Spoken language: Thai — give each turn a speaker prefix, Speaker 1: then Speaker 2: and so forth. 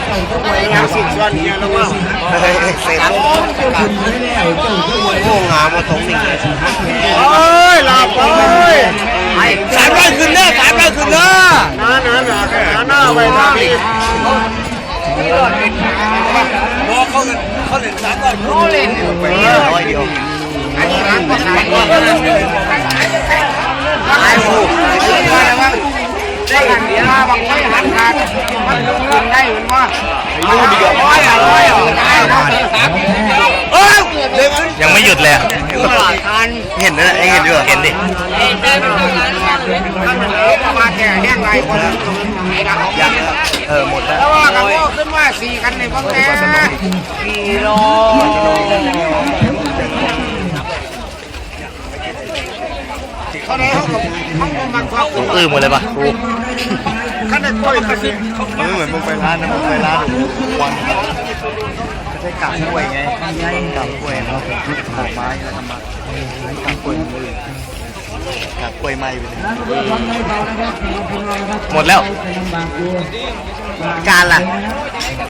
Speaker 1: สิ่งส่วนนี้แล้วว่าเสร็จโอ้งามมาตรงนี้โอ้ยหลับเลย300ขึ้นเด้อ300ขึ้นเด้อน้าไปทางนี้บอกเขาเล่น300เขาเล่นไป100เดียวอันนี้ร้านก็ขายก็ขายถูกได้หันเดียวบางไม่หันขาดมันลงทุนได้เหมือนว่าอยู่เดียว
Speaker 2: ยังไม่หยุดเลย
Speaker 1: เห็นนะเห็นด้วย
Speaker 2: เห็นดิ
Speaker 1: มาแก่แห้งไรคนยังหมดแล้วว่ากันว่าขึ้นว่า4กันในบางแก่4โลเขาเนี่ยเขามาครอบ
Speaker 2: หมดเลยปะ
Speaker 1: ขั้นในกล้วยกระซิบเหมือนมึงไปร้านนะมึงไปร้านวันไม่ใช่กาบกล้วยไงกาบกล้วยเขาหาไม้แล้วทำมากาบกล้วยกาบกล้วยไม้ไปเลย
Speaker 2: หมดแล้ว
Speaker 1: การล่ะ